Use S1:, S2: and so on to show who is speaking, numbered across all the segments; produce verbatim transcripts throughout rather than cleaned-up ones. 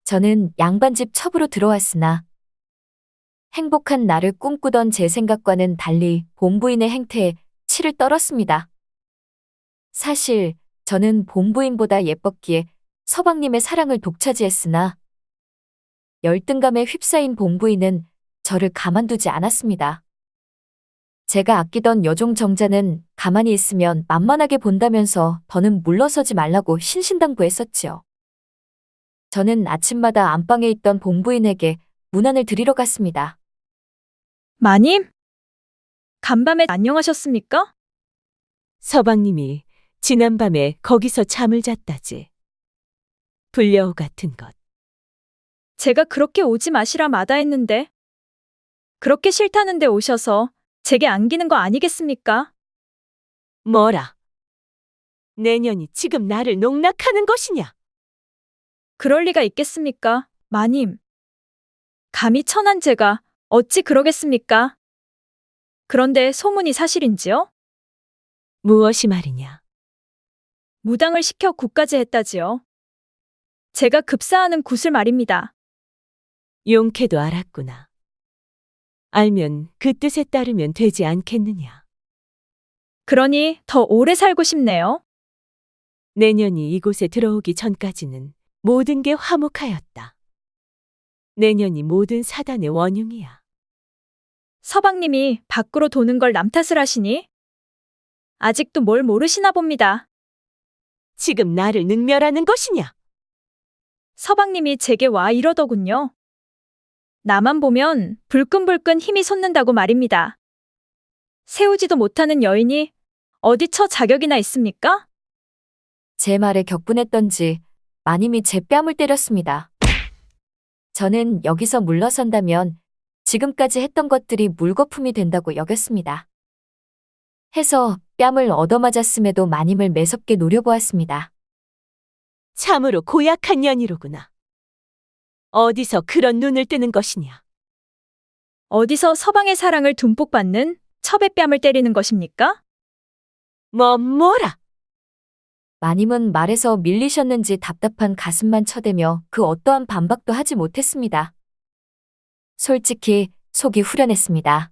S1: 저는 양반집 첩으로 들어왔으나 행복한 나를 꿈꾸던 제 생각과는 달리 본부인의 행태에 치를 떨었습니다. 사실 저는 본부인보다 예뻤기에 서방님의 사랑을 독차지했으나 열등감에 휩싸인 본부인은 저를 가만두지 않았습니다. 제가 아끼던 여종 정자는 가만히 있으면 만만하게 본다면서 더는 물러서지 말라고 신신당부했었지요. 저는 아침마다 안방에 있던 본부인에게 문안을 드리러 갔습니다.
S2: 마님? 간밤에 안녕하셨습니까?
S3: 서방님이 지난밤에 거기서 잠을 잤다지. 불려우 같은 것.
S2: 제가 그렇게 오지 마시라 마다했는데 그렇게 싫다는데 오셔서 제게 안기는 거 아니겠습니까?
S3: 뭐라? 내년이 지금 나를 농락하는 것이냐?
S2: 그럴 리가 있겠습니까, 마님? 감히 천한 제가 어찌 그러겠습니까? 그런데 소문이 사실인지요?
S3: 무엇이 말이냐?
S2: 무당을 시켜 굿까지 했다지요. 제가 급사하는 굿을 말입니다.
S3: 용케도 알았구나. 알면 그 뜻에 따르면 되지 않겠느냐?
S2: 그러니 더 오래 살고 싶네요.
S3: 내년이 이곳에 들어오기 전까지는 모든 게 화목하였다. 내년이 모든 사단의 원흉이야.
S2: 서방님이 밖으로 도는 걸 남 탓을 하시니? 아직도 뭘 모르시나 봅니다.
S3: 지금 나를 능멸하는 것이냐?
S2: 서방님이 제게 와 이러더군요. 나만 보면 불끈불끈 힘이 솟는다고 말입니다. 세우지도 못하는 여인이 어디 처 자격이나 있습니까?
S1: 제 말에 격분했던지 마님이 제 뺨을 때렸습니다. 저는 여기서 물러선다면 지금까지 했던 것들이 물거품이 된다고 여겼습니다. 해서 뺨을 얻어맞았음에도 마님을 매섭게 노려보았습니다.
S3: 참으로 고약한 년이로구나. 어디서 그런 눈을 뜨는 것이냐?
S2: 어디서 서방의 사랑을 듬뿍 받는 첩의 뺨을 때리는 것입니까?
S3: 뭐 뭐라?
S1: 마님은 말에서 밀리셨는지 답답한 가슴만 쳐대며 그 어떠한 반박도 하지 못했습니다. 솔직히 속이 후련했습니다.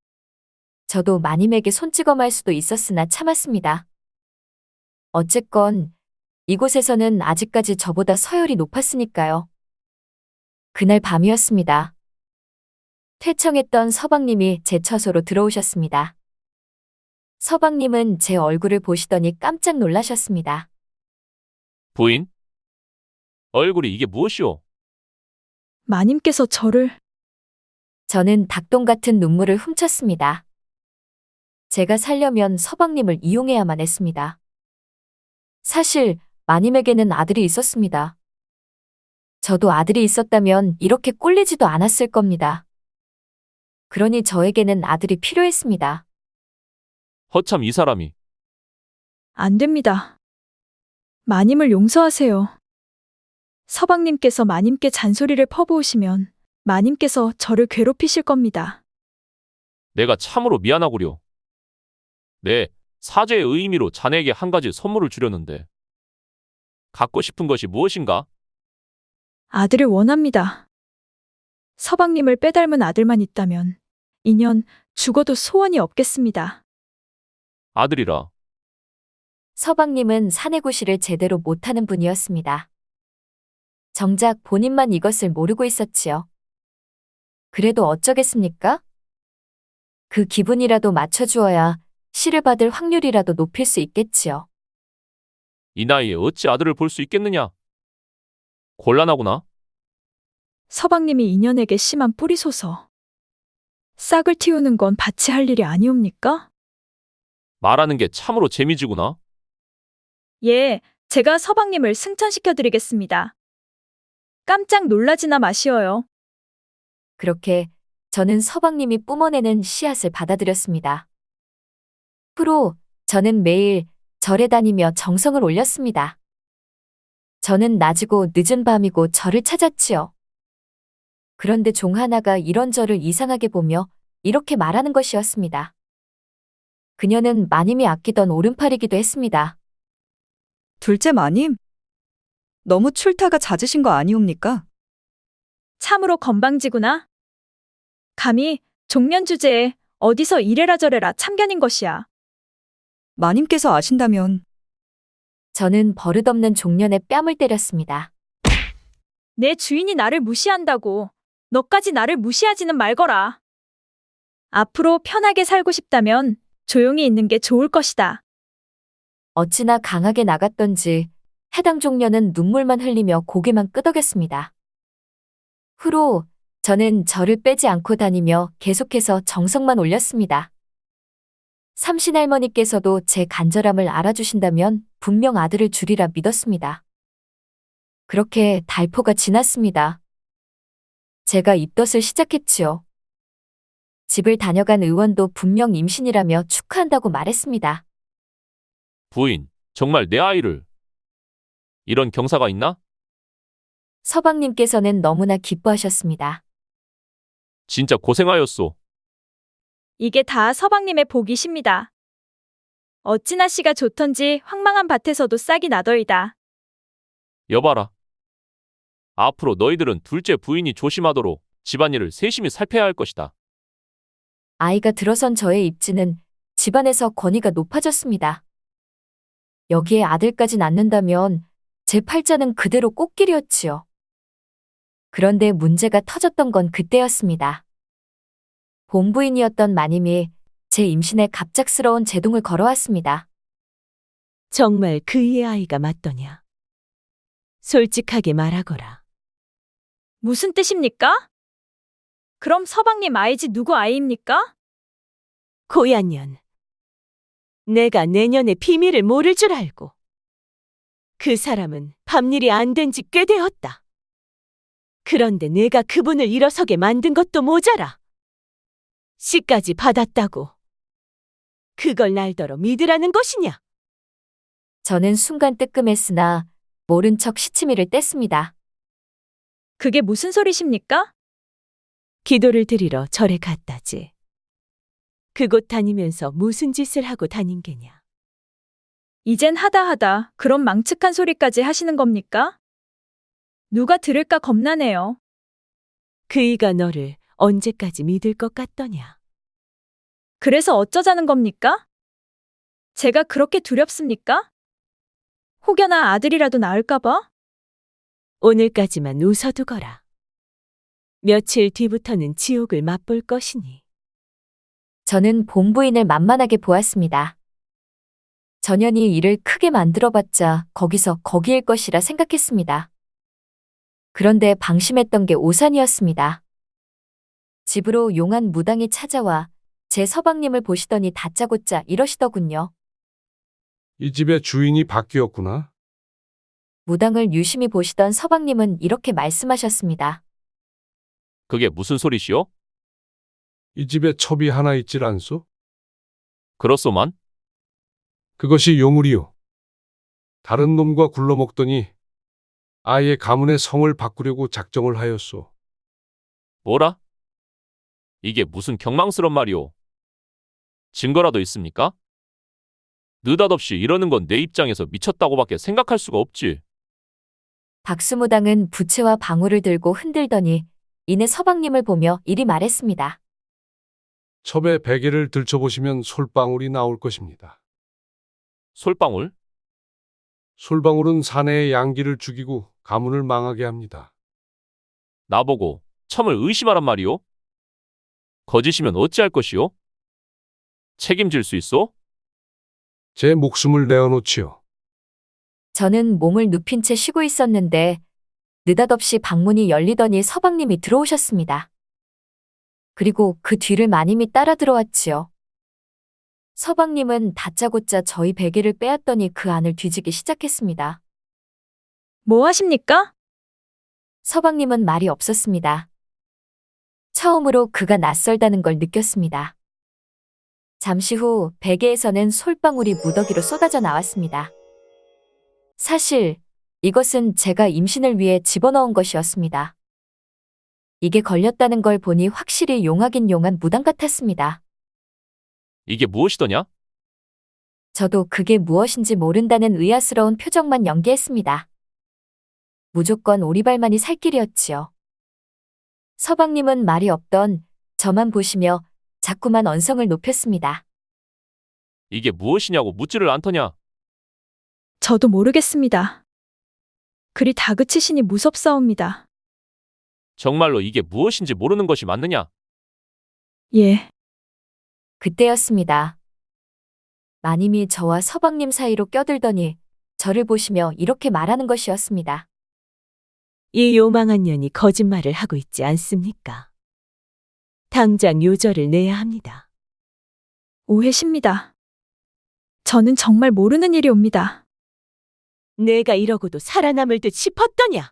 S1: 저도 마님에게 손찌검할 수도 있었으나 참았습니다. 어쨌건 이곳에서는 아직까지 저보다 서열이 높았으니까요. 그날 밤이었습니다. 퇴청했던 서방님이 제 처소로 들어오셨습니다. 서방님은 제 얼굴을 보시더니 깜짝 놀라셨습니다.
S4: 부인? 얼굴이 이게 무엇이오?
S2: 마님께서 저를
S1: 저는 닭똥 같은 눈물을 훔쳤습니다. 제가 살려면 서방님을 이용해야만 했습니다. 사실 마님에게는 아들이 있었습니다. 저도 아들이 있었다면 이렇게 꼴리지도 않았을 겁니다. 그러니 저에게는 아들이 필요했습니다.
S4: 허참 이 사람이.
S2: 안 됩니다. 마님을 용서하세요. 서방님께서 마님께 잔소리를 퍼부으시면 마님께서 저를 괴롭히실 겁니다.
S4: 내가 참으로 미안하구려. 네, 사죄의 의미로 자네에게 한 가지 선물을 주려는데. 갖고 싶은 것이 무엇인가?
S2: 아들을 원합니다. 서방님을 빼닮은 아들만 있다면 인연 죽어도 소원이 없겠습니다.
S4: 아들이라.
S1: 서방님은 사내구실을 제대로 못하는 분이었습니다. 정작 본인만 이것을 모르고 있었지요. 그래도 어쩌겠습니까? 그 기분이라도 맞춰주어야 시를 받을 확률이라도 높일 수 있겠지요.
S4: 이 나이에 어찌 아들을 볼 수 있겠느냐? 곤란하구나.
S2: 서방님이 인연에게 심한 뿌리소서. 싹을 틔우는 건 밭이 할 일이 아니옵니까?
S4: 말하는 게 참으로 재미지구나.
S2: 예, 제가 서방님을 승천시켜드리겠습니다. 깜짝 놀라지나 마시어요.
S1: 그렇게 저는 서방님이 뿜어내는 씨앗을 받아들였습니다. 후로 저는 매일 절에 다니며 정성을 올렸습니다. 저는 낮이고 늦은 밤이고 절을 찾았지요. 그런데 종 하나가 이런 저를 이상하게 보며 이렇게 말하는 것이었습니다. 그녀는 마님이 아끼던 오른팔이기도 했습니다.
S5: 둘째 마님, 너무 출타가 잦으신 거 아니옵니까?
S2: 참으로 건방지구나. 감히 종년 주제에 어디서 이래라 저래라 참견인 것이야.
S5: 마님께서 아신다면
S1: 저는 버릇없는 종년에 뺨을 때렸습니다.
S2: 내 주인이 나를 무시한다고 너까지 나를 무시하지는 말거라. 앞으로 편하게 살고 싶다면 조용히 있는 게 좋을 것이다.
S1: 어찌나 강하게 나갔던지 해당 종년은 눈물만 흘리며 고개만 끄덕였습니다. 후로 저는 절을 빼지 않고 다니며 계속해서 정성만 올렸습니다. 삼신할머니께서도 제 간절함을 알아주신다면 분명 아들을 주리라 믿었습니다. 그렇게 달포가 지났습니다. 제가 입덧을 시작했지요. 집을 다녀간 의원도 분명 임신이라며 축하한다고 말했습니다.
S4: 부인, 정말 내 아이를. 이런 경사가 있나?
S1: 서방님께서는 너무나 기뻐하셨습니다.
S4: 진짜 고생하였소.
S2: 이게 다 서방님의 복이십니다. 어찌나 씨가 좋던지 황망한 밭에서도 싹이 나더이다.
S4: 여봐라. 앞으로 너희들은 둘째 부인이 조심하도록 집안일을 세심히 살펴야 할 것이다.
S1: 아이가 들어선 저의 입지는 집안에서 권위가 높아졌습니다. 여기에 아들까지 낳는다면 제 팔자는 그대로 꽃길이었지요. 그런데 문제가 터졌던 건 그때였습니다. 본부인이었던 마님이 제 임신에 갑작스러운 제동을 걸어왔습니다.
S3: 정말 그이의 아이가 맞더냐? 솔직하게 말하거라.
S2: 무슨 뜻입니까? 그럼 서방님 아이지 누구 아이입니까?
S3: 고얀년. 내가 내년의 비밀을 모를 줄 알고. 그 사람은 밤일이 안 된 지 꽤 되었다. 그런데 내가 그분을 일어서게 만든 것도 모자라. 씨까지 받았다고. 그걸 날더러 믿으라는 것이냐?
S1: 저는 순간 뜨끔했으나 모른 척 시치미를 뗐습니다.
S2: 그게 무슨 소리십니까?
S3: 기도를 드리러 절에 갔다지. 그곳 다니면서 무슨 짓을 하고 다닌 게냐?
S2: 이젠 하다 하다 그런 망측한 소리까지 하시는 겁니까? 누가 들을까 겁나네요.
S3: 그이가 너를 언제까지 믿을 것 같더냐?
S2: 그래서 어쩌자는 겁니까? 제가 그렇게 두렵습니까? 혹여나 아들이라도 낳을까봐?
S3: 오늘까지만 웃어두거라. 며칠 뒤부터는 지옥을 맛볼 것이니.
S1: 저는 본부인을 만만하게 보았습니다. 전현이 일을 크게 만들어봤자 거기서 거기일 것이라 생각했습니다. 그런데 방심했던 게 오산이었습니다. 집으로 용한 무당이 찾아와 제 서방님을 보시더니 다짜고짜 이러시더군요.
S6: 이 집의 주인이 바뀌었구나.
S1: 무당을 유심히 보시던 서방님은 이렇게 말씀하셨습니다.
S4: 그게 무슨 소리시오?
S6: 이 집에 첩이 하나 있질 않소?
S4: 그렇소만.
S6: 그것이 요물이요. 다른 놈과 굴러먹더니 아예 가문의 성을 바꾸려고 작정을 하였소.
S4: 뭐라? 이게 무슨 경망스런 말이오? 증거라도 있습니까? 느닷없이 이러는 건 내 입장에서 미쳤다고밖에 생각할 수가 없지.
S1: 박수무당은 부채와 방울을 들고 흔들더니 이내 서방님을 보며 이리 말했습니다.
S6: 첩의 베개를 들춰보시면 솔방울이 나올 것입니다.
S4: 솔방울?
S6: 솔방울은 사내의 양기를 죽이고 가문을 망하게 합니다.
S4: 나보고 첨을 의심하란 말이오? 거짓이면 어찌할 것이오? 책임질 수 있어?
S6: 제 목숨을 내어놓지요.
S1: 저는 몸을 눕힌 채 쉬고 있었는데 느닷없이 방문이 열리더니 서방님이 들어오셨습니다. 그리고 그 뒤를 마님이 따라 들어왔지요. 서방님은 다짜고짜 저희 베개를 빼앗더니 그 안을 뒤지기 시작했습니다.
S2: 뭐 하십니까?
S1: 서방님은 말이 없었습니다. 처음으로 그가 낯설다는 걸 느꼈습니다. 잠시 후 베개에서는 솔방울이 무더기로 쏟아져 나왔습니다. 사실 이것은 제가 임신을 위해 집어넣은 것이었습니다. 이게 걸렸다는 걸 보니 확실히 용하긴 용한 무당 같았습니다.
S4: 이게 무엇이더냐?
S1: 저도 그게 무엇인지 모른다는 의아스러운 표정만 연기했습니다. 무조건 오리발만이 살 길이었지요. 서방님은 말이 없던 저만 보시며 자꾸만 언성을 높였습니다.
S4: 이게 무엇이냐고 묻지를 않더냐?
S2: 저도 모르겠습니다. 그리 다그치시니 무섭사옵니다.
S4: 정말로 이게 무엇인지 모르는 것이 맞느냐?
S2: 예,
S1: 그때였습니다. 마님이 저와 서방님 사이로 껴들더니 저를 보시며 이렇게 말하는 것이었습니다.
S3: 이 요망한 년이 거짓말을 하고 있지 않습니까? 당장 요절을 내야 합니다.
S2: 오해십니다. 저는 정말 모르는 일이옵니다.
S3: 내가 이러고도 살아남을 듯 싶었더냐?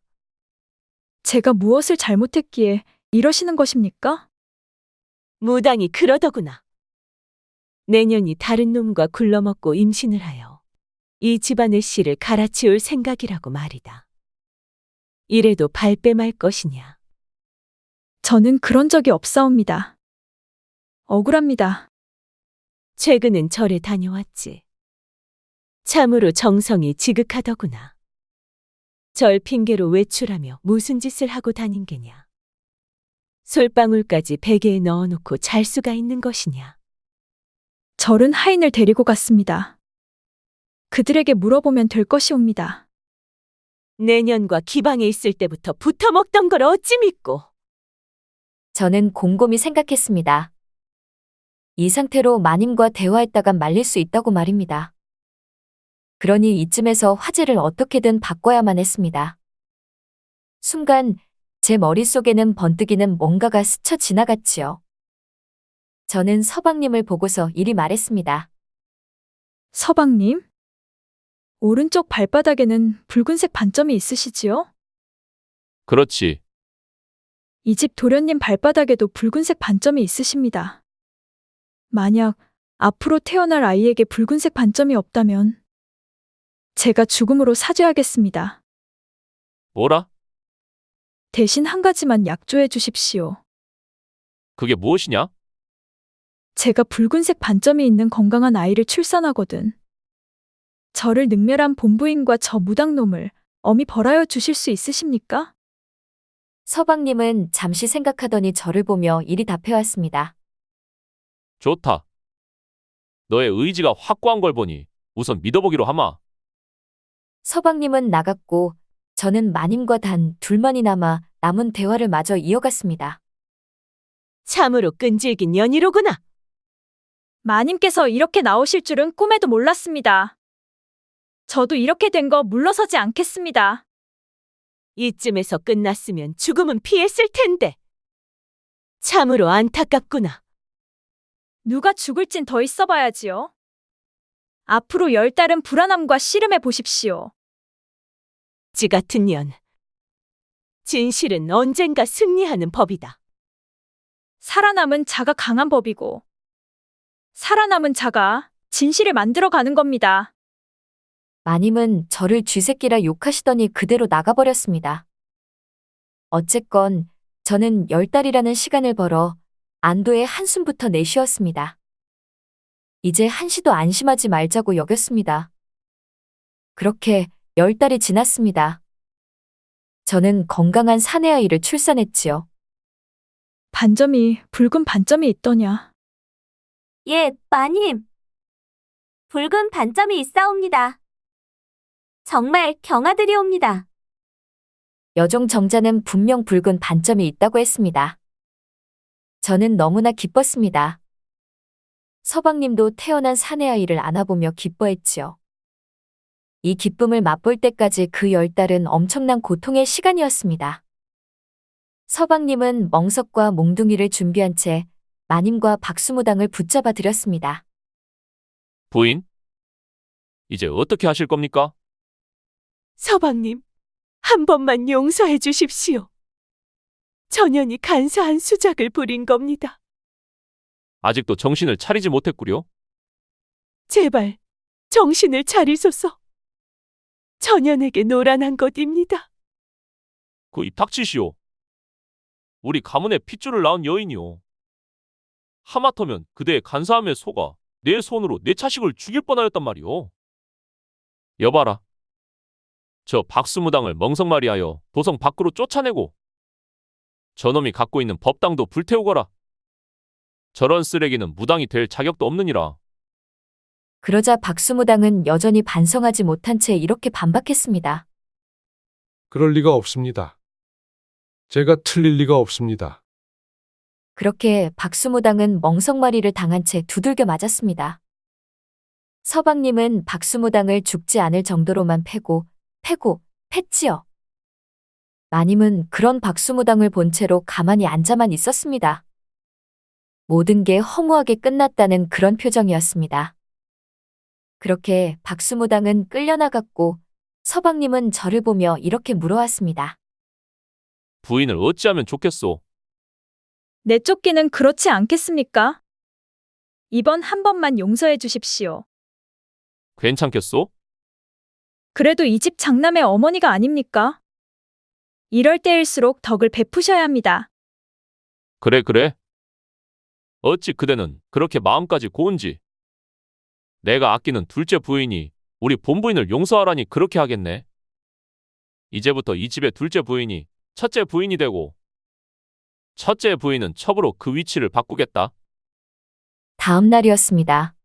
S2: 제가 무엇을 잘못했기에 이러시는 것입니까?
S3: 무당이 그러더구나. 내년이 다른 놈과 굴러먹고 임신을 하여 이 집안의 씨를 갈아치울 생각이라고 말이다. 이래도 발뺌할 것이냐?
S2: 저는 그런 적이 없사옵니다. 억울합니다.
S3: 최근은 절에 다녀왔지. 참으로 정성이 지극하더구나. 절 핑계로 외출하며 무슨 짓을 하고 다닌 게냐? 솔방울까지 베개에 넣어놓고 잘 수가 있는 것이냐?
S2: 절은 하인을 데리고 갔습니다. 그들에게 물어보면 될 것이옵니다.
S3: 내년과 기방에 있을 때부터 붙어먹던 걸 어찌 믿고?
S1: 저는 곰곰이 생각했습니다. 이 상태로 마님과 대화했다간 말릴 수 있다고 말입니다. 그러니 이쯤에서 화제를 어떻게든 바꿔야만 했습니다. 순간 제 머릿속에는 번뜩이는 뭔가가 스쳐 지나갔지요. 저는 서방님을 보고서 이리 말했습니다.
S2: 서방님? 오른쪽 발바닥에는 붉은색 반점이 있으시지요?
S4: 그렇지.
S2: 이 집 도련님 발바닥에도 붉은색 반점이 있으십니다. 만약 앞으로 태어날 아이에게 붉은색 반점이 없다면 제가 죽음으로 사죄하겠습니다.
S4: 뭐라?
S2: 대신 한 가지만 약조해 주십시오.
S4: 그게 무엇이냐?
S2: 제가 붉은색 반점이 있는 건강한 아이를 출산하거든. 저를 능멸한 본부인과 저 무당놈을 엄히 벌하여 주실 수 있으십니까?
S1: 서방님은 잠시 생각하더니 저를 보며 이리 답해왔습니다.
S4: 좋다. 너의 의지가 확고한 걸 보니 우선 믿어보기로 하마.
S1: 서방님은 나갔고 저는 마님과 단 둘만이 남아 남은 대화를 마저 이어갔습니다.
S3: 참으로 끈질긴 년이로구나.
S2: 마님께서 이렇게 나오실 줄은 꿈에도 몰랐습니다. 저도 이렇게 된 거 물러서지 않겠습니다.
S3: 이쯤에서 끝났으면 죽음은 피했을 텐데. 참으로 안타깝구나.
S2: 누가 죽을진 더 있어봐야지요. 앞으로 열 달은 불안함과 씨름해 보십시오.
S3: 지 같은 년. 진실은 언젠가 승리하는 법이다.
S2: 살아남은 자가 강한 법이고 살아남은 자가 진실을 만들어가는 겁니다.
S1: 마님은 저를 쥐새끼라 욕하시더니 그대로 나가버렸습니다. 어쨌건 저는 열 달이라는 시간을 벌어 안도의 한숨부터 내쉬었습니다. 이제 한시도 안심하지 말자고 여겼습니다. 그렇게 열 달이 지났습니다. 저는 건강한 사내아이를 출산했지요.
S2: 반점이 붉은 반점이 있더냐.
S7: 예, 마님. 붉은 반점이 있사옵니다. 정말 경아드리옵니다.
S1: 여종 정자는 분명 붉은 반점이 있다고 했습니다. 저는 너무나 기뻤습니다. 서방님도 태어난 사내아이를 안아보며 기뻐했지요. 이 기쁨을 맛볼 때까지 그 열 달은 엄청난 고통의 시간이었습니다. 서방님은 멍석과 몽둥이를 준비한 채 마님과 박수무당을 붙잡아 드렸습니다.
S4: 부인? 이제 어떻게 하실 겁니까?
S3: 서방님, 한 번만 용서해 주십시오. 전연이 간사한 수작을 부린 겁니다.
S4: 아직도 정신을 차리지 못했구려.
S3: 제발 정신을 차리소서. 전연에게 노란한 것입니다.
S4: 그 입 닥치시오. 우리 가문의 핏줄을 낳은 여인이오. 하마터면 그대의 간사함에 속아 내 손으로 내 자식을 죽일 뻔하였단 말이오. 여봐라. 저 박수무당을 멍석말이하여 도성 밖으로 쫓아내고 저놈이 갖고 있는 법당도 불태우거라. 저런 쓰레기는 무당이 될 자격도 없느니라.
S1: 그러자 박수무당은 여전히 반성하지 못한 채 이렇게 반박했습니다.
S6: 그럴 리가 없습니다. 제가 틀릴 리가 없습니다.
S1: 그렇게 박수무당은 멍석마리를 당한 채 두들겨 맞았습니다. 서방님은 박수무당을 죽지 않을 정도로만 패고, 패고, 팼지요. 마님은 그런 박수무당을 본 채로 가만히 앉아만 있었습니다. 모든 게 허무하게 끝났다는 그런 표정이었습니다. 그렇게 박수무당은 끌려나갔고 서방님은 저를 보며 이렇게 물어왔습니다.
S4: 부인을 어찌하면 좋겠소?
S2: 내쫓기는 그렇지 않겠습니까? 이번 한 번만 용서해 주십시오.
S4: 괜찮겠소?
S2: 그래도 이 집 장남의 어머니가 아닙니까? 이럴 때일수록 덕을 베푸셔야 합니다.
S4: 그래 그래. 어찌 그대는 그렇게 마음까지 고운지. 내가 아끼는 둘째 부인이 우리 본부인을 용서하라니 그렇게 하겠네. 이제부터 이 집의 둘째 부인이 첫째 부인이 되고 첫째 부인은 첩으로 그 위치를 바꾸겠다.
S1: 다음 날이었습니다.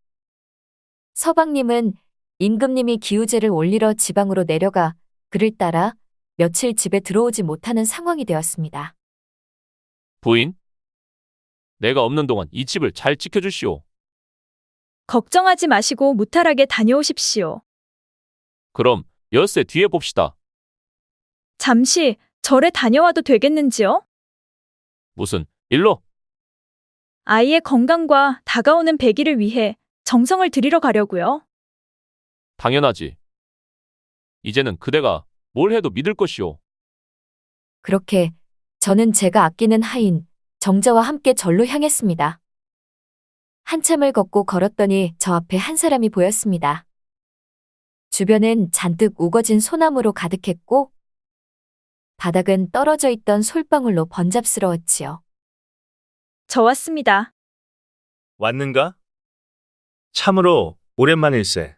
S1: 서방님은 임금님이 기우제를 올리러 지방으로 내려가 그를 따라 며칠 집에 들어오지 못하는 상황이 되었습니다.
S4: 부인? 내가 없는 동안 이 집을 잘 지켜주시오.
S2: 걱정하지 마시고 무탈하게 다녀오십시오.
S4: 그럼 엿새 뒤에 봅시다.
S2: 잠시 절에 다녀와도 되겠는지요?
S4: 무슨 일로?
S2: 아이의 건강과 다가오는 배기를 위해 정성을 들이러 가려고요.
S4: 당연하지. 이제는 그대가 뭘 해도 믿을 것이오.
S1: 그렇게 저는 제가 아끼는 하인 정자와 함께 절로 향했습니다. 한참을 걷고 걸었더니 저 앞에 한 사람이 보였습니다. 주변은 잔뜩 우거진 소나무로 가득했고 바닥은 떨어져 있던 솔방울로 번잡스러웠지요.
S2: 저 왔습니다.
S8: 왔는가? 참으로 오랜만일세.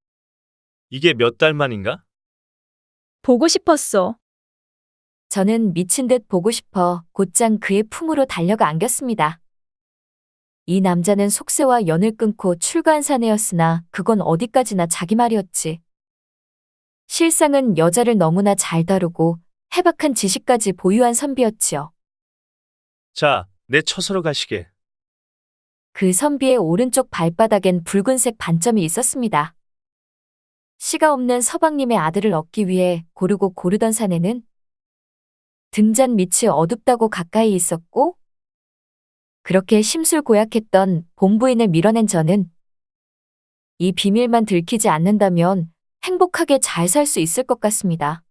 S8: 이게 몇 달 만인가?
S2: 보고 싶었소.
S1: 저는 미친 듯 보고 싶어 곧장 그의 품으로 달려가 안겼습니다. 이 남자는 속세와 연을 끊고 출가한 사내였으나 그건 어디까지나 자기 말이었지. 실상은 여자를 너무나 잘 다루고 해박한 지식까지 보유한 선비였지요.
S8: 자, 내 처소로 가시게.
S1: 그 선비의 오른쪽 발바닥엔 붉은색 반점이 있었습니다. 씨가 없는 서방님의 아들을 얻기 위해 고르고 고르던 사내는 등잔 밑이 어둡다고 가까이 있었고 그렇게 심술고약했던 본부인을 밀어낸 저는 이 비밀만 들키지 않는다면 행복하게 잘 살 수 있을 것 같습니다.